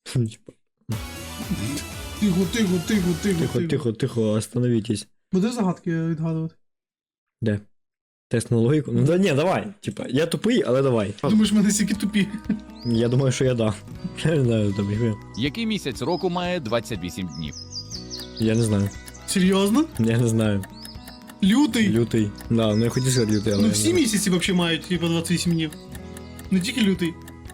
Тихо, остановитесь. Будеш загадки відгадувати? Де? Тест на логіку? Ну да ні, давай. Типа, я тупий, але давай. Думаєш, ми настільки тупі? Я думаю, що я да. Я не знаю, там їх. Який місяць року має 28 днів? Я не знаю. Серйозно? Я не знаю. Лютий? Лютий. Да, ну я хотів сказати лютий, але. Ну я всі не знаю. місяці взагалі мають типу 28 днів. Не тільки лютий.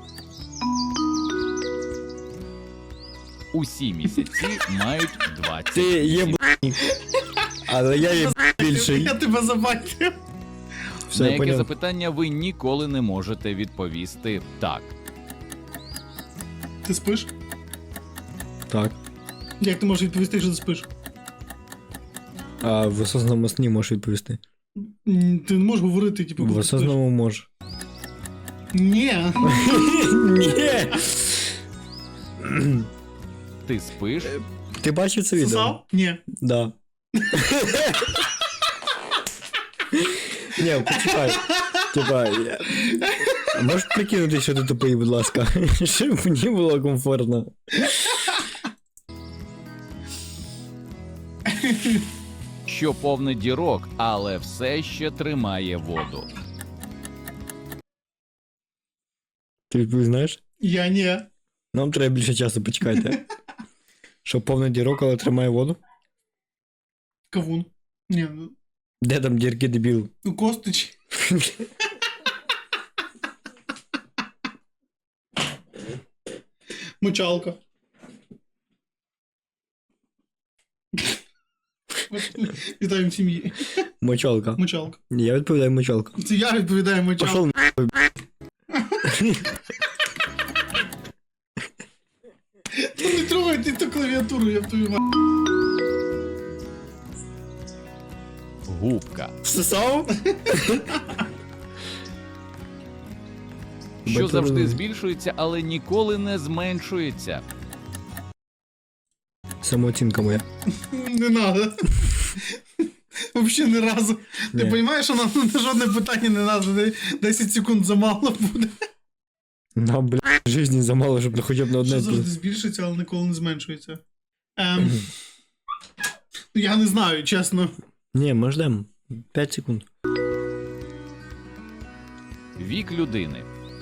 Усі місяці мають 20. Ти є але я є більший. Я тебе забайтив. Все, На я яке поняв. запитання ви ніколи не можете відповісти так. Ти спиш? Так. Як ти можеш відповісти, що ти спиш? А в осознаному сні можеш відповісти. Ти не можеш говорити, типу, В коли ти спиш. осознаному можеш. Ні. Ні. Ти спиш? Ти бачив це відео? Сосав? Ні. Да. Ні, почекай. Типа, можеш прикинути, що ти тупий, будь ласка, щоб мені було комфортно. Що повне дірок, але все ще тримає воду. Ти відповідь знаєш? Я ні. Нам треба більше часу, почекайте. Що повний дірок, але тримає воду? Кавун. Ні, ну, Де там дірки, дебіл? Костич. Мочалка. Вітаємо сім'ї. Мочалка. Мочалка. Я відповідаю мочалка. Це я відповідаю мочалка. Пошел нахуй. Ну не трогай ти ту клавіатуру, я б тобі маю. Губка. Всосав? Що завжди збільшується, але ніколи не зменшується. Самооцінка моя. Не надо. Вообще ні разу. Ти Ні. розумієш, що нам на жодне питання не надо, 10 секунд замало буде. Нам, бля, житті замало, щоб хоча б на одне. Що завжди збільшується, але ніколи не зменшується. Я не знаю, чесно. Ні, ми ждемо. 5 секунд. Вік людини.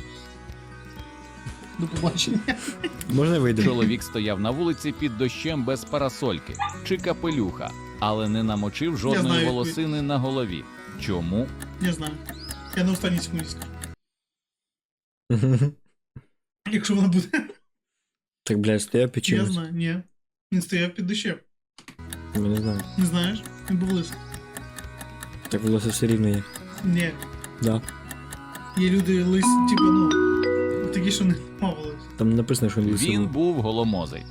До побачення. Можна вийдемо? Чоловік стояв на вулиці під дощем без парасольки чи капелюха, але не намочив Я жодної знаю, волосини на голові. Чому? Я знаю. Я на останній секунді скажу. Якщо вона буде. Так, блядь, стояв під Я чимось. знаю, ні. Він стояв під дощем. Я не знаю. Не знаєш? Він був лисий. Так волосся все рівно є. Ні. Да. Є люди лисі, типу, ну, такі, що не мовились. Там написано, що він лисий. Він був. був голомозий.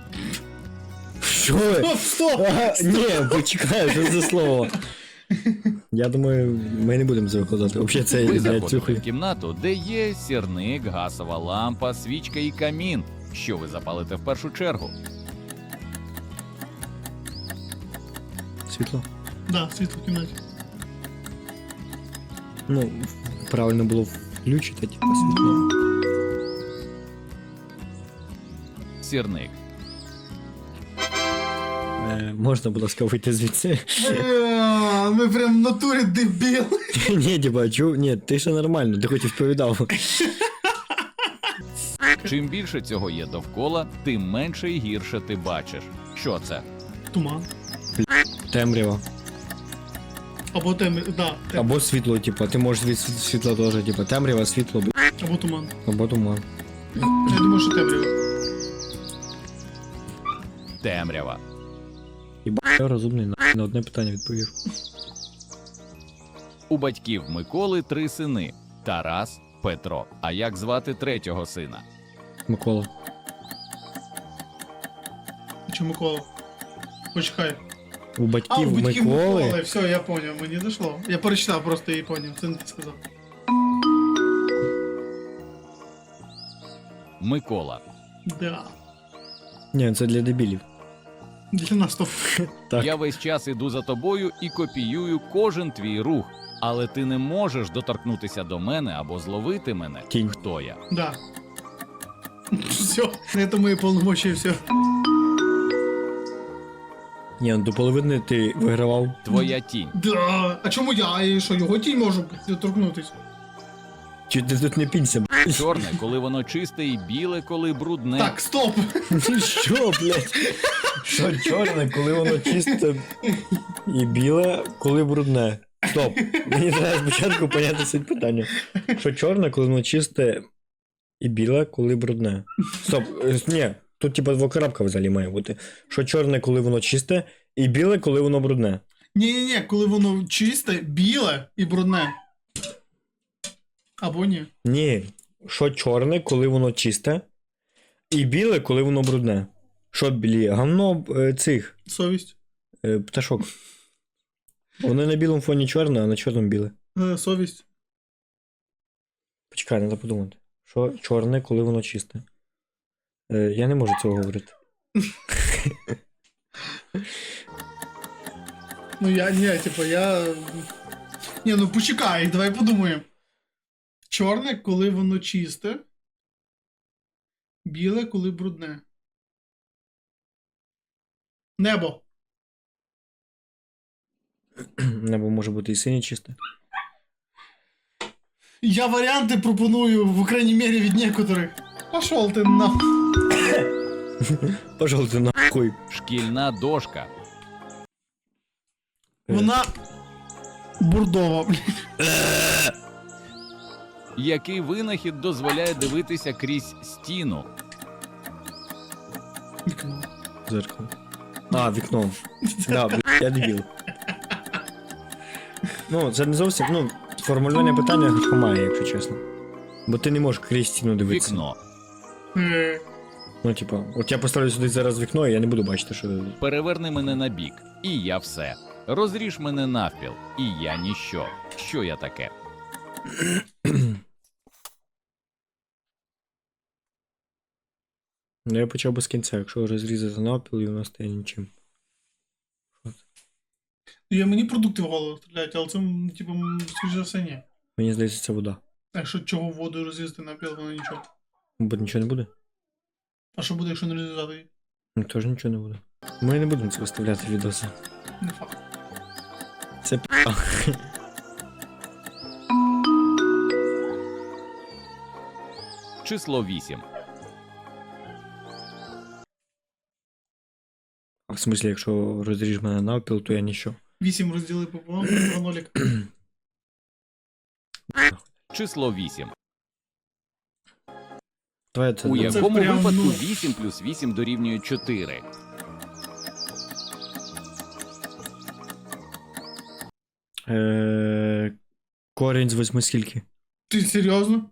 Що ви? Стоп, стоп! Ага, ні, почекай, що за слово? Я думаю, ми не будемо це викладати. Взагалі це, Ви блядь, заходите цюхай. в кімнату, де є сірник, газова лампа, свічка і камін. Що ви запалите в першу чергу? Світло? Да, світло в кімнаті. Ну, правильно було включити, типу, світло. Сірник. Можна, будь ласка, вийти звідси? Ми прям в натурі дебіли. Ні, типа, ні, ти ще нормально, ти хоч і відповідав. Чим більше цього є довкола, тим менше і гірше ти бачиш. Що це? Туман. Темрява. Або да, Або світло, типа, ти можеш від світла теж, типа, темрява, світло, або туман. або туман. Я думаю, що темрява. Темрява. Я розумний, на одне питання відповів. У батьків Миколи 3 сини – Тарас, Петро. А як звати третього сина? Микола. Чи Микола? Почекай. У батьків, у батьків Миколи. Все, я поняв, мені дійшло. Я перечитав просто і поняв, це не ти сказав. Микола. Да. Ні, це для дебілів. Для нас то. Так. Я весь час іду за тобою і копіюю кожен твій рух. Але ти не можеш доторкнутися до мене або зловити мене. Тінь. Хто я? Да. Все, на этом мои полномочия все. Ні, ну до половини ти вигравав. Твоя тінь. Да. А чому я? І що, його тінь можу торкнутись? Чи ти тут не пінься, б***ь? Чорне, коли воно чисте, і біле, коли брудне. Так, стоп. Що, блядь? Що чорне, коли воно чисте і біле, коли брудне? Стоп. Мені треба спочатку поняти суть питання. Що чорне, коли воно чисте і біле, коли брудне? Стоп, ні, тут типа двокрапка взагалі має бути. Що чорне, коли воно чисте, і біле, коли воно брудне. Ні-ні-ні, коли воно чисте, біле і брудне. Або ні. Ні. Що чорне, коли воно чисте, і біле, коли воно брудне. Що білі? Гавно цих Совість. пташок. Воно на білому фоні чорне, а на чорному біле. Совість. Почекай, треба подумати. Що чорне, коли воно чисте? Я не можу цього говорити. Ну я. Ні, ну почекай, давай подумаємо. Чорне, коли воно чисте. Біле, коли брудне. Небо. Небо може бути і синє чисте. Я варіанти пропоную, в крайній мірі, від некоторих. Пошел ти на. Пожалуй, ти нахуй. Шкільна дошка. Вона бурдова, блін. Який винахід дозволяє дивитися крізь стіну? Вікно. Зеркало. А, вікно. Да, блядь, я дебіл. Ну, це не зовсім, ну, формулювання питання хромає, якщо чесно. Бо ти не можеш крізь стіну дивитися. Вікно. Ну, типа, от я поставлю сюди зараз вікно, і я не буду бачити, що. Переверни мене на бік, і я все. Розріж мене навпіл, і я ніщо. Що я таке? Ну, я почав би з кінця, якщо розрізати навпіл, і воно стає нічим. Мені продукти в голову стріляють, але це, типу, скоріше за все, ні. Мені здається, це вода. А якщо чого воду розрізати на піл, воно нічого. Бо нічого не буде. А що буде, якщо не розрізати її? Ну, теж нічого не буде. Ми не будемо це виставляти відоси. Не факт. Це п***. Число 8. А в смислі, якщо розріж мене навпіл, то я ніщо. 8 розділи пополам, 2 нолік. Число 8. Давай це. У це якому прям, випадку ну. 8 плюс 8 дорівнює 4? Корінь з 8 скільки? Ти серйозно?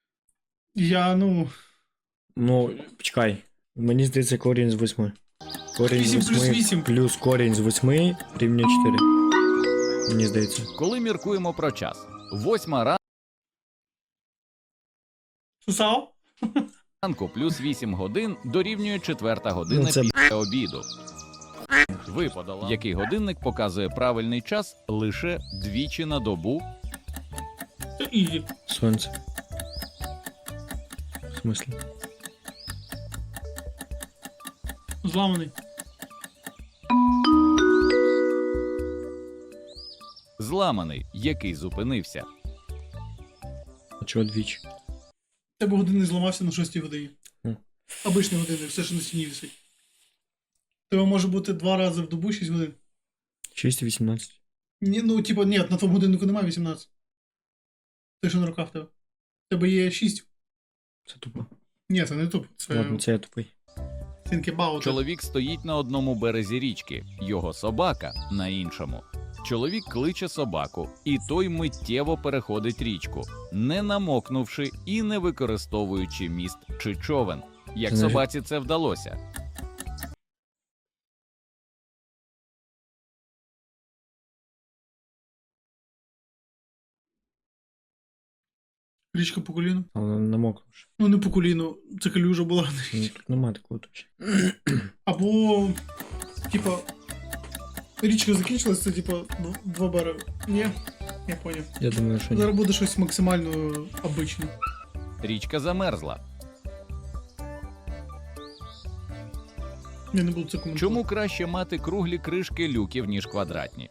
Ну, почекай. Мені здається, корінь з 8. Корінь 8 з плюс 8 8. плюс корінь з 8 рівня 4. Мені здається. Коли міркуємо про час. 8 Сусав? ранку плюс 8 годин дорівнює 4 година Ну, це після обіду. Ви подала, який годинник показує правильний час лише двічі на добу. Це ізі. Сонце. В смислі? Зламаний. Зламаний, який зупинився. А чого двічі? Тебе годинник зламався на 6 годині. Хм. Обичний годинник, все, що на стіні висить. Тебе може бути 2 рази в добу 6 годин. 6 і 18. Ні, ну, типа, ні, на твоєму годиннику немає 18. Те, що на руках в тебе. В тебе є 6. Це тупо. Ні, це не туп. Це Ладно, це я тупий. think about it. Чоловік стоїть на одному березі річки, його собака на іншому. Чоловік кличе собаку, і той миттєво переходить річку, не намокнувши і не використовуючи міст чи човен. Як Це не- собаці це вдалося? Річка по коліну. А воно намокнувши. Ну, не по коліну, це калюжа була. Ну, тут нема такого точно. Або, типа, річка закінчилась, це, типа, 2 береги. Ні, я поняв. Я думаю, що ні. Зараз буде щось максимально обичне. Річка замерзла. Я не буду це коментувати. Чому краще мати круглі кришки люків, ніж квадратні?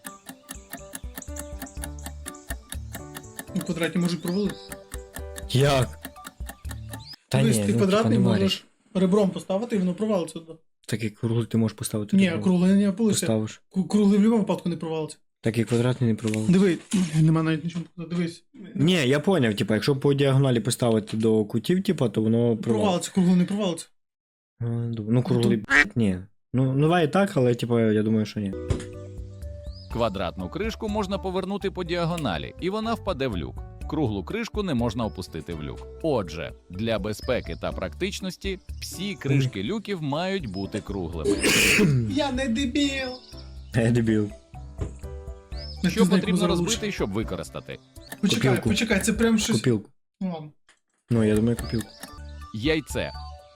Ну, квадратні можуть провалити. Як? Та Дивись, ні, ти ну, квадратний типа, немає. можеш ребром поставити, і воно провалиться туди. Так і круглий ти можеш поставити. Ні, типу, круглий не опилився. поставиш. Круглий в будь-якому випадку не провалиться. Так і квадратний не провалиться. Диви, нема навіть нічого показати. Дивись. Ні, я поняв, типа, якщо по діагоналі поставити до кутів, типа, то воно провалиться. Провалиться, круглий не провалиться. Ну, круглий, ні. Ну, буває так, але, типа, я думаю, що ні. Квадратну кришку можна повернути по діагоналі, і вона впаде в люк. Круглу кришку не можна опустити в люк. Отже, для безпеки та практичності всі кришки люків мають бути круглими. Я не дебіл. Я дебіл. Що потрібно розбити, щоб використати? Почекай, Копілку. це прям щось. Копілку. Ну ладно, Ну, я думаю, копілку. Яйце,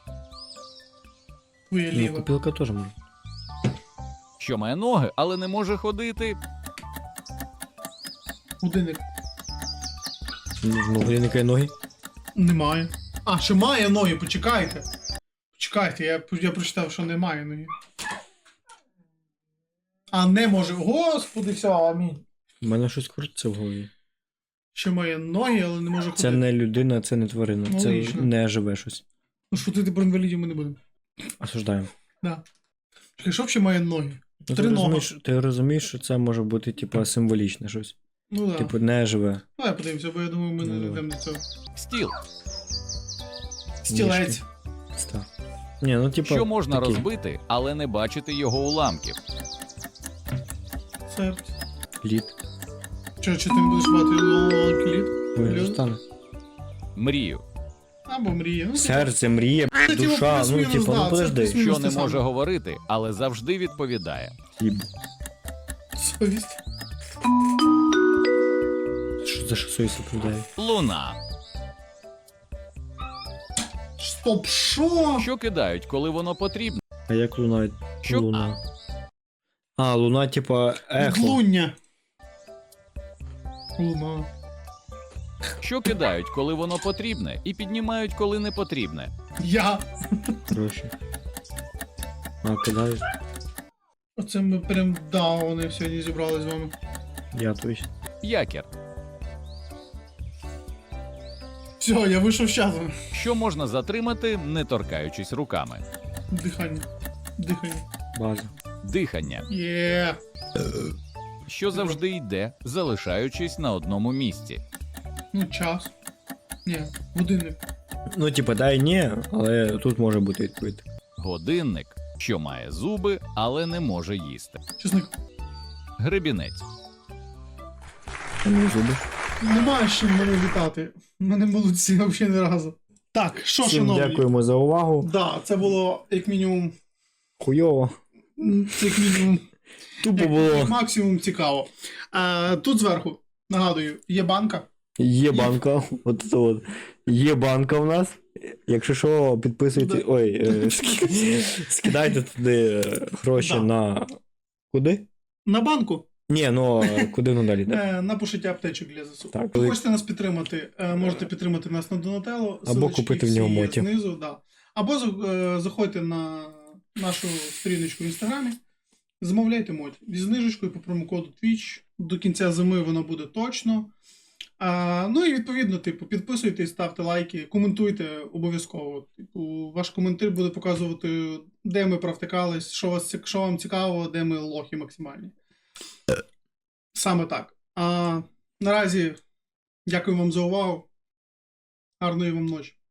твоє Ну, ліве. копілка теж може. що має ноги, але не може ходити. Годинник. Ну, годинника і ноги. Немає. А, ще має ноги, почекайте. Почекайте, я прочитав, що немає ноги. А не може. Господи, все, амінь. У мене щось крутиться в голові. Ще має ноги, але не може ходити. Це не людина, це не тварина. Ну, Це логічно. не живе щось. Ну, шутити про інвалідів ми не будемо. Осуждаємо. Да. Чекай, що ще має ноги? Ну, Три ноги. ти розумієш, що це може бути, типа, символічне щось. Ну да. Типу, не живе. Давай подивимося, бо я думаю, ми Ну, не давай. йдемо до цього. Стіл, Стілець. Став. Ні, ну, типа, що можна такий. розбити, але не бачити його уламків. Серце. Лід. Чи ти не будеш мати лід? Ой, Лід? що стане? Мрію, Або мрія. Ну, Серце, мрія, це, типу, душа, ну, плюс-мінус, типу, да, ну це подожди. плюс-мінус. що не те саме. може говорити, але завжди відповідає. Їб. Совість. Що за що совість оправдає? Луна, Стоп, що? що кидають, коли воно потрібно. А як луна? Що? Луна. А, луна, типа, ехо. Глуння. Луна. Що кидають, коли воно потрібне, і піднімають, коли не потрібне. Я. Гроші. А, кидають. Оце ми прям дауни сьогодні зібрали з вами. Я точно. Якір, Все, я вийшов з часу. що можна затримати, не торкаючись руками. Дихання. Дихання. База. Дихання, Є. що завжди йде, залишаючись на одному місці. Ну, час. Ні, годинник. Ну, типа, дай ні, але тут може бути відповідь. Годинник, що має зуби, але не може їсти. Чесник. Гребінець, А не зуби. Немає з чим мене вітати. Мене молодці взагалі не разу. Так, що, Всім шановні? дякуємо за увагу. Да, це було як мінімум. Хуйово. Це як мінімум. Тупо Як було. максимум цікаво. Тут зверху, нагадую, є банка. Є банка. От це от. Є банка в нас. Якщо що, підписуйте. Да. Ой, скидайте туди гроші Да. на. Куди? На банку. Ні, ну куди воно далі? Да? На пошиття аптечок для ЗСУ. Так. Ви хочете нас підтримати, можете підтримати нас на Донателло. Або Ссылочки купити в всі нього є мотів. знизу, да. Або заходьте на нашу сторіночку в інстаграмі, замовляйте моті. Зі знижечкою по промокоду Twitch. До кінця зими воно буде точно. Ну і відповідно, типу, підписуйтесь, ставте лайки, коментуйте обов'язково. Типу, ваш коментар буде показувати, де ми провтикались, що вам цікаво, де ми лохи максимальні. Саме так. Наразі дякую вам за увагу. Гарної вам ночі.